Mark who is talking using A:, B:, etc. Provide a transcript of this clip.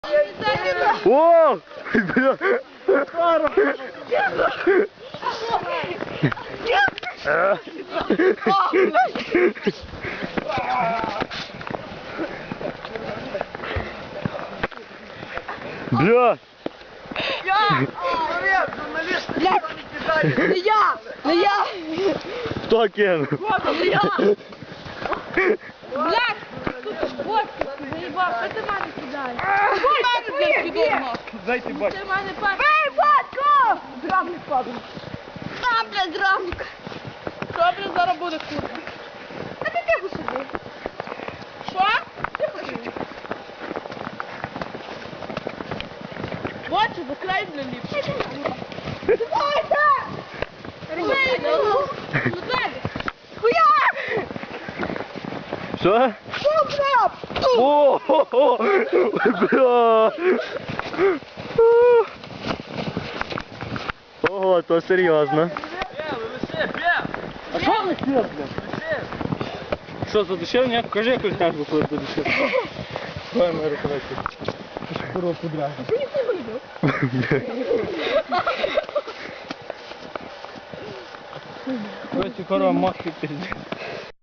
A: О! Бля! Бля!
B: Не я! Не я!
A: Хто кинув?
B: Не я! Блядь! Вот, заебал, що ти мене кидаєш?
A: Дайте бать.
B: Ти мене Ей, батько! Драмник падає. А, блядь, драмник. Що, блядь, зараз буде курва? А ти тихо сиди. Що? Тихо сиди. Бачу, закрай для ліпше. Давайте! Вийду! Хуя!
A: Що?
B: Добре!
A: О! Бля! Ого, то серйозно.
C: А що ви все, блядь? Що, задушив? Ні? Покажи якусь тяжбу, коли задушив. Давай мою рукавичку. Курва подряд. Короче, корова махи пиздец.